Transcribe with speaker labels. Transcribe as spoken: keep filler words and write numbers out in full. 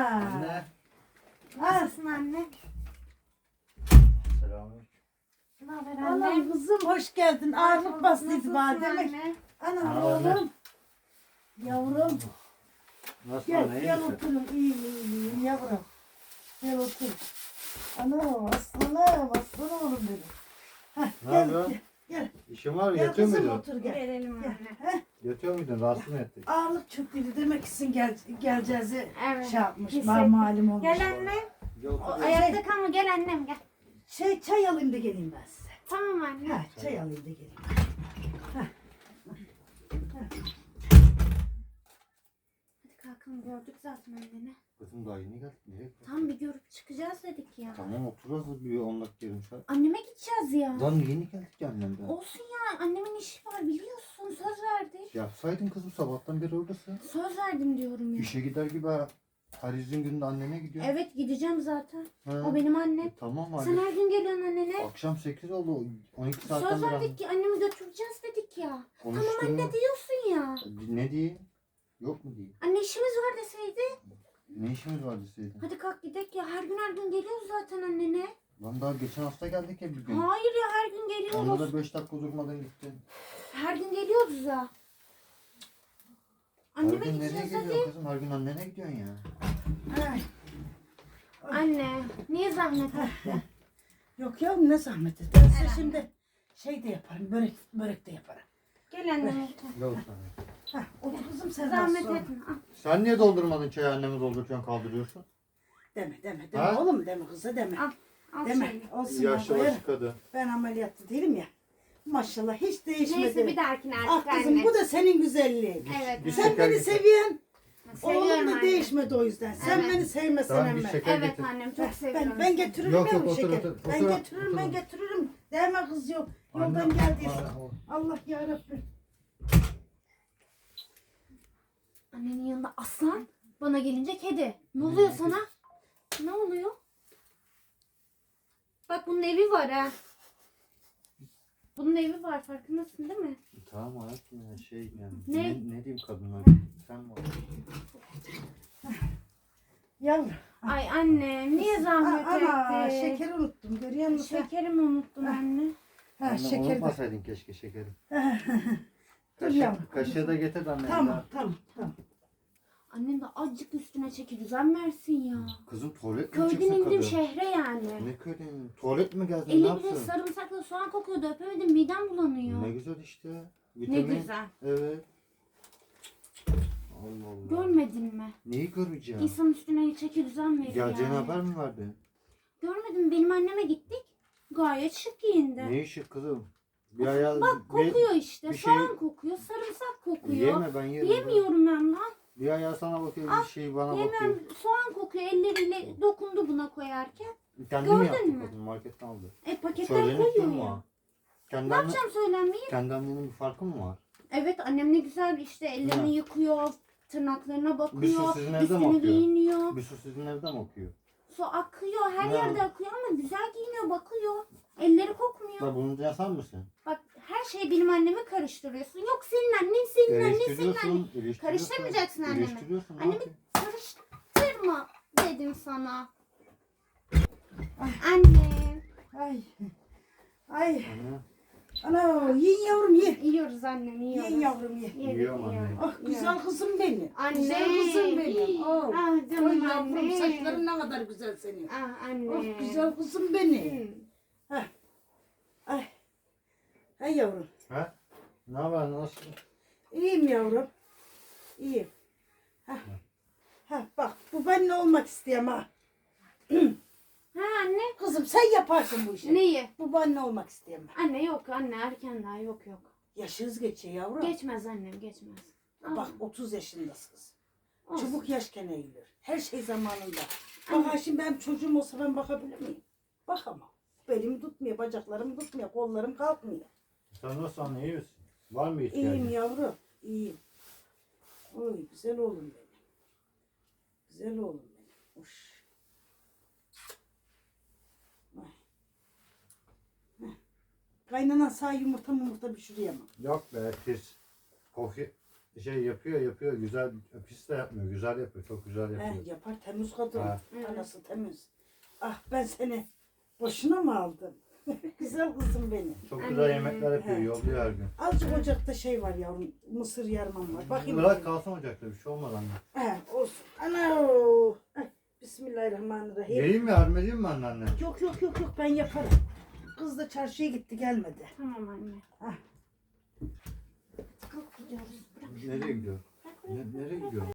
Speaker 1: Anne.
Speaker 2: Nasılsın anne?
Speaker 1: Selamünaleyküm.
Speaker 2: Ne haber
Speaker 3: Anam
Speaker 2: anne?
Speaker 3: kızım hoş geldin. Ağırlık bastıydı bana demek.
Speaker 2: anne?
Speaker 3: Anam
Speaker 1: Ne haber
Speaker 3: oğlum. Yavrum.
Speaker 1: Nasıl
Speaker 3: Gel
Speaker 1: anne? iyi
Speaker 3: gel
Speaker 1: misin?
Speaker 3: oturun. İyiyim iyiyim iyiyim yavrum. Gel otur. Anam aslanım aslan oğlum benim. Heh,
Speaker 1: Ne
Speaker 3: gel,
Speaker 1: yapıyorsun?
Speaker 3: gel gel.
Speaker 1: İşin var mı?
Speaker 3: Gel
Speaker 1: Yatıyor
Speaker 3: kızım
Speaker 1: muydun?
Speaker 3: otur gel.
Speaker 2: Verelim
Speaker 3: Gel.
Speaker 2: anne.
Speaker 3: Heh,
Speaker 1: Yatıyor muydun? Rahatsız mı ettik?
Speaker 3: ağırlık çöktüydü demek için gel, geleceğizi
Speaker 2: Evet.
Speaker 3: şey yapmış.
Speaker 2: Hissettim.
Speaker 3: Mal malum olmuş.
Speaker 2: Gel anne.
Speaker 1: Gel
Speaker 2: O,
Speaker 1: otur. ya.
Speaker 2: ayakta kalma gel annem gel.
Speaker 3: Şey çay alayım da geleyim ben size.
Speaker 2: Tamam anne.
Speaker 3: Ha, çay alayım da geleyim.
Speaker 2: Hadi kalkalım gördük zaten anneni.
Speaker 1: Kızım daha yeni geldik. Nereye gidiyorsun?
Speaker 2: Tam bir görüp çıkacağız dedik ya.
Speaker 1: Tamam otururuz bir on dakika yarım saat.
Speaker 2: Anneme gideceğiz ya.
Speaker 1: Lan yeni geldik annemden.
Speaker 2: Olsun ya annemin işi var biliyorsun söz verdi.
Speaker 1: Yapsaydın kızım sabahtan beri oradasın.
Speaker 2: Söz verdim diyorum ya.
Speaker 1: İşe gider gibi her izin gününde annene gidiyor.
Speaker 2: Evet gideceğim zaten.
Speaker 1: Ha.
Speaker 2: O benim annem.
Speaker 1: E, tamam hadi.
Speaker 2: Sen her gün geliyorsun annene.
Speaker 1: Akşam sekiz oldu. on iki saatten
Speaker 2: Söz
Speaker 1: beri
Speaker 2: verdik ki annemi götüreceğiz dedik ya.
Speaker 1: konuştun
Speaker 2: Tamam anne
Speaker 1: mu?
Speaker 2: diyorsun ya.
Speaker 1: Ne diyeyim? Yok mu diyeyim?
Speaker 2: Anne işimiz var deseydi.
Speaker 1: Ne işimiz var deseydin?
Speaker 2: Hadi kalk gidelim ya. Her gün her gün geliyoruz zaten annene.
Speaker 1: Lan daha geçen hafta geldik ya bir gün.
Speaker 2: Hayır ya her gün
Speaker 1: Onda
Speaker 2: geliyoruz.
Speaker 1: da beş dakika durmadan gittin.
Speaker 2: Her gün geliyoruz ya.
Speaker 1: Her
Speaker 2: Anneme
Speaker 1: gün nereye
Speaker 2: gideceğiz
Speaker 1: gidiyorsun
Speaker 2: hadi.
Speaker 1: kızım? Her gün annene gidiyorsun ya.
Speaker 3: Ay.
Speaker 2: Anne niye zahmet etti?
Speaker 3: Yok ya ne zahmet et. Ben size şimdi şey de yaparım. Börek, börek de yaparım.
Speaker 2: Gel annem otur.
Speaker 1: Gel otur.
Speaker 3: Hah, otur kızım sen
Speaker 2: Zahmet
Speaker 3: sonra.
Speaker 2: etme. Al.
Speaker 1: Sen niye doldurmadın çayı annemi doldururken kaldırıyorsun?
Speaker 3: Deme deme deme
Speaker 1: Ha?
Speaker 3: oğlum deme kıza deme.
Speaker 2: Al. Al
Speaker 3: Deme.
Speaker 2: şeyini.
Speaker 3: Olsun ben
Speaker 1: Yaşlı
Speaker 3: koyarım.
Speaker 1: başı kadın.
Speaker 3: Ben ameliyatta değilim ya. Maşallah hiç değişmedi.
Speaker 2: Neyse bir dahakine
Speaker 3: Ah
Speaker 2: artık
Speaker 3: kızım
Speaker 2: anne.
Speaker 3: bu da senin güzelliğin.
Speaker 2: Evet.
Speaker 1: Bir
Speaker 3: Sen
Speaker 1: şeker
Speaker 3: beni
Speaker 1: getir.
Speaker 3: seviyorsun.
Speaker 2: Seviyorum
Speaker 3: Oğlum da
Speaker 2: anne.
Speaker 3: değişmedi o yüzden. Sen
Speaker 2: Evet.
Speaker 3: beni sevmesen
Speaker 1: Tamam bir
Speaker 3: emme.
Speaker 1: şeker
Speaker 2: Evet
Speaker 1: getir.
Speaker 2: annem çok
Speaker 3: Ben,
Speaker 2: seviyorum.
Speaker 3: ben, ben getiririm
Speaker 1: Yok,
Speaker 3: ya
Speaker 1: yok,
Speaker 3: bu
Speaker 1: otur,
Speaker 3: şeker.
Speaker 1: otur,
Speaker 3: ben
Speaker 1: otur,
Speaker 3: getiririm
Speaker 1: otur.
Speaker 3: ben getiririm. Değme kız yok. Yoldan
Speaker 1: Anne,
Speaker 3: geldiyse.
Speaker 1: Aa,
Speaker 3: Allah yarabbim.
Speaker 2: Annenin yanında aslan, bana gelince kedi. Ne oluyor sana? Ne oluyor? Bak bunun evi var ha. Bunun evi var farkındasın değil mi?
Speaker 1: Tamam hayatım ya şey yani.
Speaker 2: Ne?
Speaker 1: Ne, ne diyeyim kadına? Sen var.
Speaker 3: Yavrum.
Speaker 2: Ay anne niye zahmet
Speaker 3: Ana
Speaker 2: ettin?
Speaker 3: şekeri unuttum görüyor musun?
Speaker 2: Şekerimi unuttun anne.
Speaker 3: Ha
Speaker 1: Anne
Speaker 3: şeker de.
Speaker 1: unutmasaydın keşke şekeri.
Speaker 3: Dur
Speaker 1: Kaşığı,
Speaker 3: yavrum.
Speaker 1: kaşığı da getir de anne.
Speaker 3: Tamam tamam tamam.
Speaker 2: Annem de azıcık üstüne çeki düzen versin ya.
Speaker 1: Kızım tuvalet mi
Speaker 2: Köyden
Speaker 1: çıksın
Speaker 2: indim
Speaker 1: kadın?
Speaker 2: şehre yani.
Speaker 1: Ne köyden? Tuvalet mi gezdin? Ne
Speaker 2: Eli bile
Speaker 1: yapsın?
Speaker 2: sarımsakla soğan kokuyordu öpemedim midem bulanıyor.
Speaker 1: Ne güzel işte.
Speaker 2: Ne
Speaker 1: Vitamin.
Speaker 2: güzel.
Speaker 1: Evet. Allah Allah.
Speaker 2: Görmedin mi?
Speaker 1: Neyi göreceğim?
Speaker 2: İnsan üstüne çeki düzen verir
Speaker 1: Geleceğin
Speaker 2: yani.
Speaker 1: haber mi verdin?
Speaker 2: Görmedim benim anneme gittik. Gayet şık giyindi.
Speaker 1: Ne işi kızım? Bir ayağı...
Speaker 2: Bak kokuyor işte.
Speaker 1: bir şey-
Speaker 2: Soğan kokuyor, sarımsak kokuyor.
Speaker 1: Yeme ben yerim.
Speaker 2: Yemiyorum ben lan.
Speaker 1: Bir ayağı sana bakıyor, bir şey bana
Speaker 2: Yemem.
Speaker 1: bakıyor.
Speaker 2: Soğan kokuyor. Elleriyle dokundu buna koyarken.
Speaker 1: Kendi mi
Speaker 2: Gördün
Speaker 1: yaptın
Speaker 2: mü?
Speaker 1: kadın? Marketten aldı.
Speaker 2: E paketten
Speaker 1: Söylenip
Speaker 2: koyuyor
Speaker 1: durma.
Speaker 2: ya.
Speaker 1: Kendi,
Speaker 2: Ne
Speaker 1: anne,
Speaker 2: yapacağım söylenmeyi?
Speaker 1: kendi annenin bir farkı mı var?
Speaker 2: Evet annem ne güzel işte ellerini
Speaker 1: Ne?
Speaker 2: yıkıyor. Tırnaklarına
Speaker 1: Bir
Speaker 2: bakıyor.
Speaker 1: su sizin evde mi
Speaker 2: Üstünü
Speaker 1: akıyor?
Speaker 2: giyiniyor.
Speaker 1: Bir su sizin evde mi okuyor?
Speaker 2: Su akıyor. Her
Speaker 1: Ne?
Speaker 2: yerde akıyor ama güzel giyiniyor bakıyor. Elleri kokmuyor.
Speaker 1: Da bunu sen misin?
Speaker 2: Bak her şeyi benim anneme karıştırıyorsun. Yok senin annen, senin annen, senin annen.
Speaker 1: Eleştiriyorsun, eleştiriyorsun.
Speaker 2: Karıştırmayacaksın annemi.
Speaker 1: Eleştiriyorsun. ne
Speaker 2: Annemi
Speaker 1: yapayım?
Speaker 2: karıştırma dedim sana. Anne.
Speaker 3: Ay. Ay.
Speaker 1: Anne,
Speaker 3: Ana yiyin yavrum ye.
Speaker 2: Yiyoruz annem yiyoruz.
Speaker 3: Yiyin yavrum ye.
Speaker 2: Yedik,
Speaker 1: Yiyorum anne.
Speaker 2: yiyoruz,
Speaker 3: Ah güzel
Speaker 2: yiyoruz.
Speaker 3: kızım benim.
Speaker 2: Anne.
Speaker 3: Güzel kızım benim. Oh.
Speaker 2: Ah
Speaker 3: Oy
Speaker 2: canım
Speaker 3: yavrum
Speaker 2: anne.
Speaker 3: saçların ne kadar güzel senin.
Speaker 2: Ah anne.
Speaker 3: Oh güzel kızım benim.
Speaker 2: Hı.
Speaker 3: Ay. Ay yavrum.
Speaker 1: He? Ne haber, nasıl?
Speaker 3: İyiyim yavrum. İyiyim. Hah. Hah bak bu ben ne olmak istiyorum ha.
Speaker 2: Ha anne.
Speaker 3: Kızım sen yaparsın bu işi.
Speaker 2: Neyi?
Speaker 3: Bu ben ne olmak istiyorum ben.
Speaker 2: Anne yok anne erken daha yok yok.
Speaker 3: Yaşınız geçiyor yavrum.
Speaker 2: Geçmez annem geçmez.
Speaker 3: Bak otuz yaşındasınız.
Speaker 2: Olsun.
Speaker 3: Çabuk yaşken eğilir. Her şey zamanında. Bak ha şimdi benim çocuğum olsa ben bakabilir miyim? Bakamam. Belimi tutmuyor, bacaklarım tutmuyor, kollarım kalkmıyor.
Speaker 1: Sen nasıl anne, iyi misin? Var mı ihtiyacın?
Speaker 3: İyiyim yavrum, iyiyim. Oy güzel oğlum benim. Güzel oğlum benim. Uş. Vay. Heh. Kaynanan sağ yumurta yumurta bir şuraya mı?
Speaker 1: Yok be, pis. Koku, şey yapıyor yapıyor güzel pis de yapmıyor güzel yapıyor çok güzel
Speaker 3: He,
Speaker 1: yapıyor.
Speaker 3: yapar temiz kadın.
Speaker 1: Ha.
Speaker 3: Anası temiz. Ah ben seni boşuna mı aldım? Güzel kızım benim.
Speaker 1: Çok
Speaker 2: Anne.
Speaker 1: güzel yemekler yapıyor
Speaker 3: He.
Speaker 1: yolluyor her gün.
Speaker 3: Azıcık ocakta şey var yavrum. Mısır yarmam var. Bakayım.
Speaker 1: Bırak kalsın ocakta bir şey olmaz anne.
Speaker 3: He, olsun. Ana. Ay, Bismillahirrahmanirrahim.
Speaker 1: Vereyim mi yardım edeyim mi anneanne?
Speaker 3: Yok yok yok yok ben yaparım. Kız da çarşıya gitti gelmedi.
Speaker 2: Tamam anne.
Speaker 3: Ah.
Speaker 2: Kalk gidiyoruz. Bırak.
Speaker 1: Nereye gidiyor?
Speaker 2: Bırak oraya.
Speaker 1: Ne, nereye gidiyor?